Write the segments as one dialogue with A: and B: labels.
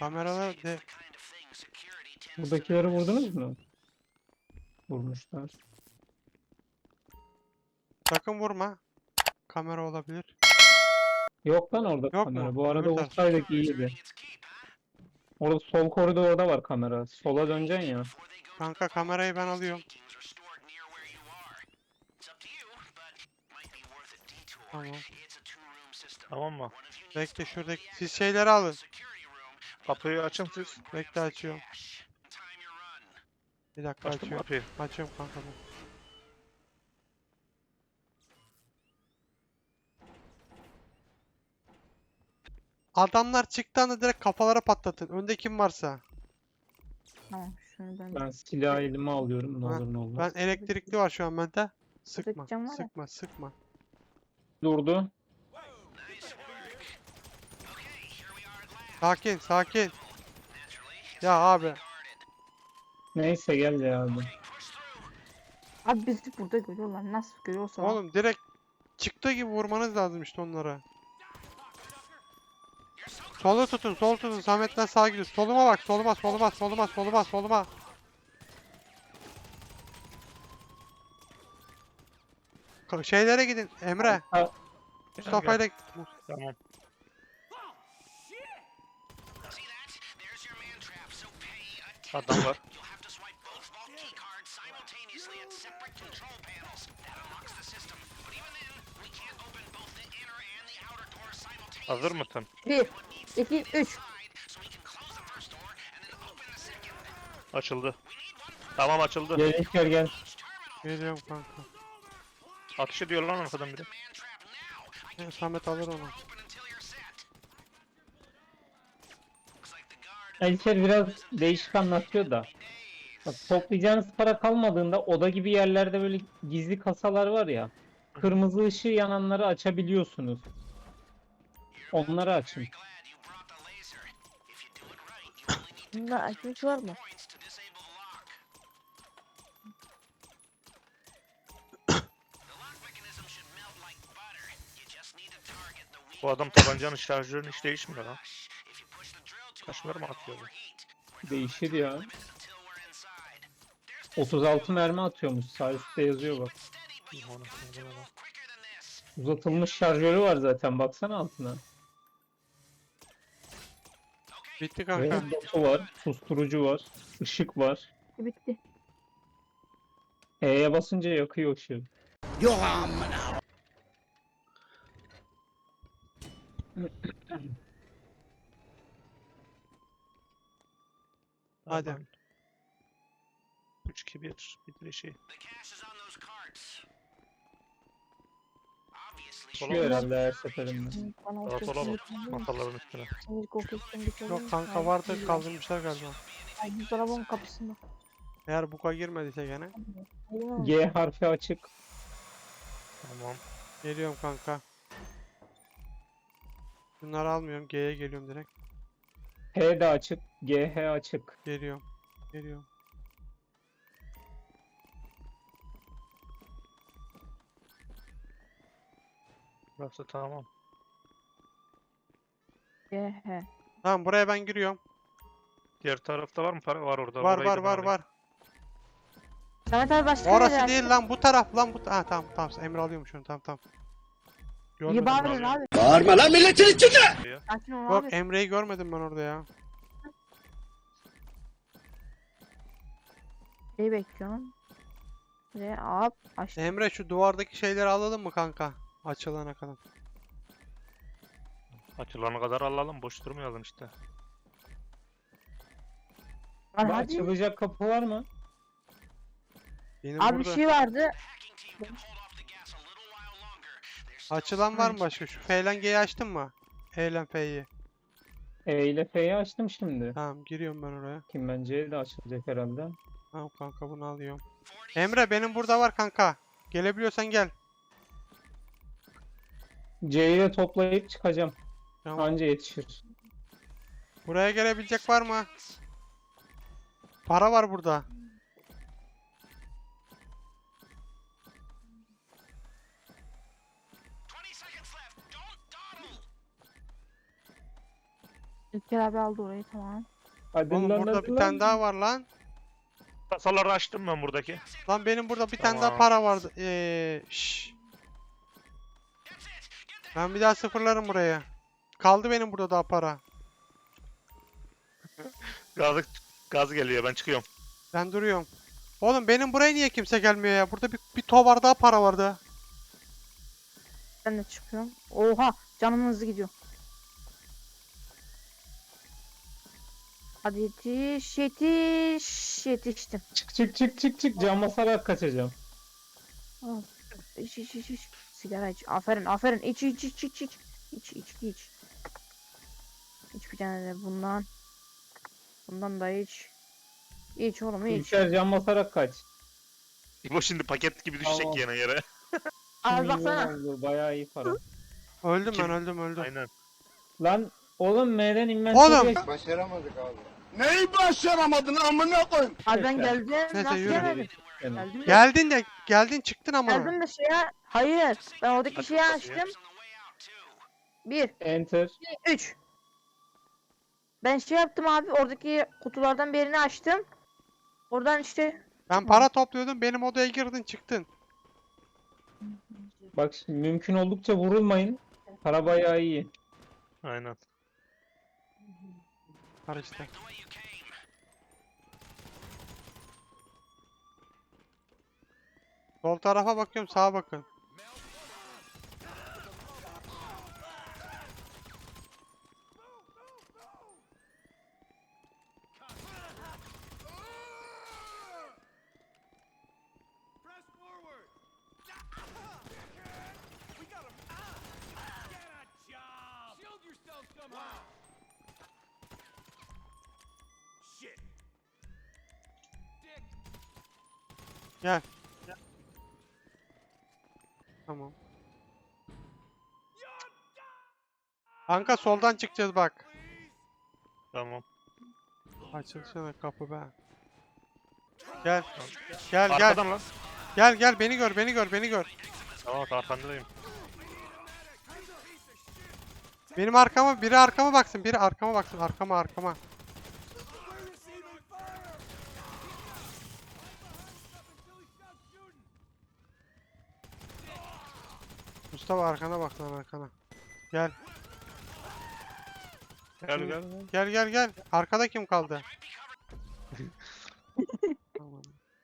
A: Kameralar de
B: Buradakileri vurdunuz mu? Vurmuşlar.
A: sakın vurma. Kamera olabilir.
B: Yok lan orada
A: Yok
B: kamera.
A: mu?
B: Bu arada
A: Öbür taraf.
B: vursaydık iyiydi. Orada sol koridorda var kamera. Sola döneceksin ya.
A: Kanka kamerayı ben alıyorum. Tamam.
C: Tamam mı?
A: Bekle şuradaki. Siz şeyleri alın.
C: Kapıyı açın siz.
A: Bekle açıyorum. Bir dakika
C: Açtın mı
A: açıyorum.
C: kapıyı?
A: Açıyorum kanka ben. Adamlar çıktı anda direkt kafalara patlatın. Önde kim varsa.
D: Tamam şunu ben
B: Ben silah elime alıyorum. Ne
A: Ha,
B: olur ne olmaz.
A: Ben elektrikli var şu an bende. Sıkma.
D: Buradaki cam var ya.
A: Sıkma. Sıkma.
B: Durdu.
A: Sakin. Sakin. Ya abi.
B: Neyse gel ya abi.
D: Abi bizi burada görüyorlar. Nasıl görüyorsa.
A: Oğlum direkt çıktığı gibi vurmanız lazım işte onlara. Solu tutun. Sol tutun. Samet'ten sağa gidiyor. Soluma bak. Soluma. Soluma. Soluma. Soluma. Soluma. Şeylere gidin. Emre.
B: Ha,
A: Mustafa'yla
C: Tamam. Adam var. Hazır mısın?
D: 1, 2, 3.
C: Açıldı. Tamam açıldı.
B: gel İlker gel.
A: geliyorum kanka.
C: Atış ediyor lan arkadan biri.
A: Samet alır onu.
B: İlker biraz değişik anlatıyor da. Bak, toplayacağınız para kalmadığında oda gibi yerlerde böyle gizli kasalar var ya. Kırmızı ışığı yananları açabiliyorsunuz. Onları açın.
D: Bunda açmış var mı?
C: Bu adam tabancanın şarjörünü hiç değişmiyor lan. Kaç mermi atıyor bu?
B: Değişir ya. 36 mermi atıyormuş. Sağ üstte yazıyor bak. Uzatılmış şarjörü var zaten. Baksana altına.
A: Bitti
B: Ve
A: kanka.
B: dotu var. Susturucu var. Işık var.
D: Bitti.
B: E'ye basınca yakıyor ışığı.
A: Hadi.
C: 3 2 1 bitirişi.
B: Düşüyor herhalde her seferinde.
D: Bana o
C: Sağa sola
D: sesini
C: bak. Masaların üstüne.
D: Sinir kokusundan geçelim.
A: Yok kanka vardı kaldırmışlar galiba.
D: Ay buzdolabının kapısında.
A: Eğer buka girmediyse gene.
D: Aynen.
B: G harfi açık.
C: Tamam.
A: Geliyorum kanka. Bunları almıyorum. G'ye geliyorum direkt.
B: H de açık. GH açık.
A: Geliyorum. Geliyorum.
C: Burası tamam.
D: He.
A: Tamam buraya ben giriyorum.
C: Diğer tarafta var mı para? Var orada.
A: Var
C: Orayı da
A: var
C: ben
A: var
C: alayım.
A: var.
D: Samet abi başka
A: Orası
D: yere
A: değil lan bu taraf lan bu. Ha tamam tamam Emre alıyorum şunu tamam tamam.
D: İyi
A: Görmedim.
D: bağırın
C: abi.
D: abi.
E: Bağırma lan milletin içinde!
C: Ya.
D: Sakin ol
A: Yok
D: abi.
A: Emre'yi görmedim ben orada ya.
D: Neyi bekliyorsun? Ve hop açtım.
A: Emre şu duvardaki şeyleri alalım mı kanka? Açılana kadar.
C: Açılana kadar alalım. Boş durmayalım işte.
D: Lan
B: Bu
D: hadi.
B: açılacak kapı var mı?
A: Benim
D: Abi bir
A: burada.
D: şey vardı.
A: Açılan var mı başka? Şu F ile G'yi açtın mı? E ile F'yi.
B: E ile F'yi açtım şimdi.
A: Tamam giriyorum ben oraya.
B: Kim bence de açılacak herhalde.
A: Tamam kanka bunu alıyorum. Emre benim burada var kanka. Gelebiliyorsan gel.
B: C'yi de toplayıp çıkacağım.
A: Tamam.
B: Anca yetişir.
A: Buraya gelebilecek var mı? Para var burada.
D: İlker abi aldı orayı, tamam.
B: Hadi
A: Oğlum
B: lan,
A: burada
B: hadi
A: bir
B: lan.
A: tane daha var lan.
C: Kasaları açtım ben buradaki.
A: Lan benim burada bir tane daha
C: Tamam.
A: para vardı. Şşş. Ben bir daha sıfırlarım buraya. Kaldı benim burada daha para.
C: Gaz geliyor, ben çıkıyorum.
A: Ben duruyorum. Oğlum benim buraya niye kimse gelmiyor ya? Burada bir tovar daha para vardı.
D: Ben de çıkıyorum. Oha, canım hızlı gidiyor. Hadi yetiş, yetiş, yetiştim.
B: Çık. Cam basarak kaçacağım.
D: Al. İç. Sigara iç. Aferin. İç. İç. İç bir tane de bundan. Bundan da iç. İç oğlum, iç.
B: İlker cam basarak kaç.
C: Bu şimdi paket gibi düşecek
B: Tamam.
C: yine yere.
D: Al
B: Milyon
D: baksana.
B: oldu, bayağı iyi para.
A: Öldüm
C: Kim?
A: ben öldüm.
C: Aynen.
B: Lan oğlum M'den
A: Oğlum!
B: inventory'e
E: Başaramadık abi. Neyi başaramadın amına koyayım?
D: Abi ben
B: Neyse.
D: geldim.
A: Neyse,
D: Nasıl
A: yürü.
D: gelmedim?
B: Geldim.
A: Geldin çıktın ama.
D: Geldim de şeye. Hayır. Ben oradaki
C: Hadi
D: şeyi
C: kapıyı.
D: açtım. 1,
B: Enter.
D: 3. Ben şey yaptım abi. Oradaki kutulardan birini açtım. Oradan işte.
A: Ben para topluyordum. Benim odaya girdin çıktın.
B: Bak şimdi mümkün oldukça vurulmayın. Para bayağı iyi.
C: Aynen.
A: Var işte. Sol tarafa bakıyorum, sağa bakın. Gel. Tamam. Kanka soldan çıkacağız bak.
C: Tamam.
A: Açılsana kapı be. Gel. Gel.
C: Arkadan lan.
A: Gel beni gör.
C: Tamam, arkandayım.
A: Benim arkama, biri arkama baksın, arkama. Mustafa arkana bak lan arkana. Gel.
C: Gel.
A: Arkada kim kaldı? Tamam.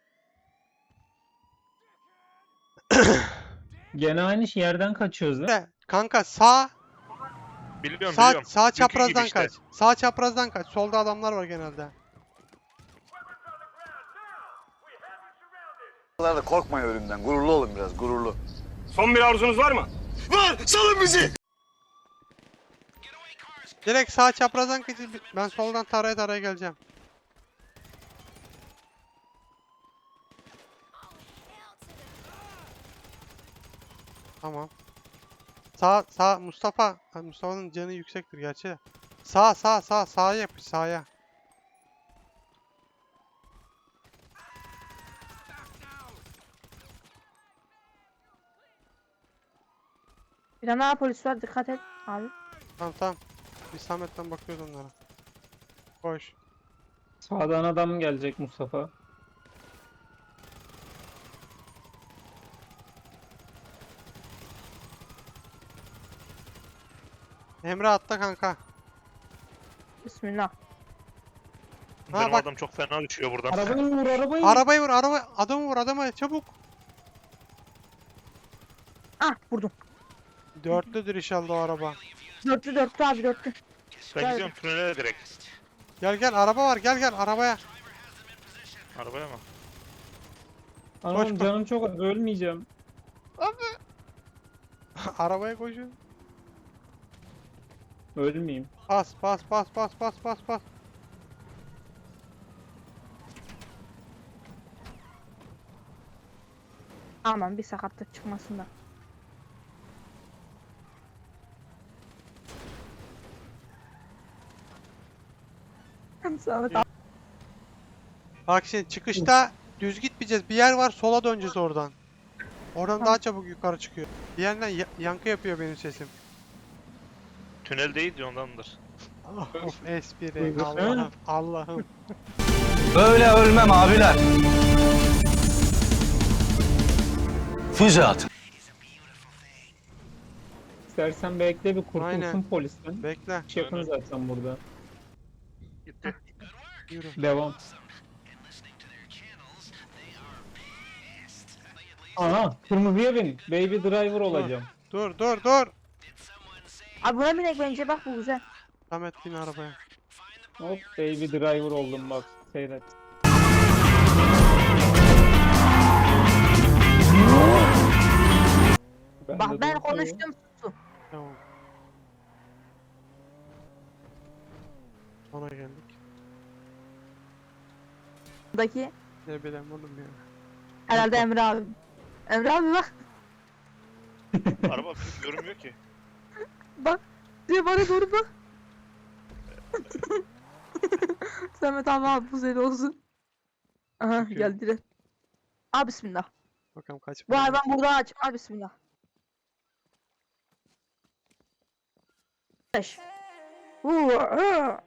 B: Gene aynı yerden kaçıyoruz lan.
A: De, kanka sağ
C: Biliyorum.
A: sağ
C: Dünkü gibi
A: çaprazdan
C: işte.
A: kaç. Sağ çaprazdan kaç. Solda adamlar var genelde.
E: Korkmayın ölümden. Gururlu olun biraz, gururlu.
F: Son bir arzunuz var mı?
E: Var! Salın bizi!
A: Direkt sağ çaprazdan kaç. Ben soldan taraya geleceğim. Tamam. Sağ Mustafa. Ha, Mustafa'nın canı yüksektir gerçi de. Sağa yapış sağa.
D: Bir tane daha polis var, dikkat et abi.
A: Tamam. Bir Samet'ten bakıyoruz onlara. Koş.
B: Sağdan adam gelecek Mustafa.
A: Emre atla kanka.
D: Bismillah.
C: Benim
A: bak.
C: adam çok fena düşüyor buradan.
B: Arabayı vur arabayı.
A: Arabayı vur adamı çabuk.
D: Ah, vurdum.
A: Dörtlüdür inşallah o araba.
D: Dörtlü abi, dörtlü.
C: Ben gidiyorum tünele direkt.
A: Gel araba var gel arabaya.
C: Arabaya mı?
B: Anam
A: Koş, koş.
B: canım çok az, ölmeyeceğim.
A: Arabaya koşun.
B: Ölmeyeyim.
A: Bas.
D: Aman bir sakatlık çıkmasın da. Samet abi.
A: Bak şimdi çıkışta düz gitmeyeceğiz. Bir yer var sola döneceğiz oradan. Oradan daha çabuk yukarı çıkıyor. Bir yerden yankı yapıyor benim sesim.
C: Tünel değil de ondandır.
A: Of espri.
B: Buyurun.
A: Allah'ım. Allah'ım.
G: Böyle ölmem abiler. Füze atın.
B: İstersen bekle bir kurtulsun
A: Aynen.
B: polisten.
A: Bekle.
B: Hiç yakın zaten burada.
C: Gitti.
A: Yürü.
B: Devam. Aha, kırmızıya bin. Baby driver olacağım.
A: Dur dur dur.
D: Abi buna binek bence, bak bu güzel.
A: Samet bin arabaya.
B: Hop, baby driver oldum bak. Seyret.
D: Bak
B: de
D: ben
B: dur.
D: konuştum.
A: Tamam. Ona geldik.
D: Buradaki
A: Ne bileyim oğlum ya.
D: herhalde Emre abi. Emre abi bak.
C: Araba görünmüyor ki.
D: Bak. Diyor bana doğru bak. Samet abi bu senin olsun. Aha
A: Çünkü-
D: geldiler. Abi bismillah.
A: Bakalım kaç
D: Bu
A: para.
D: hayvan burada aç. Abi bismillah. 5.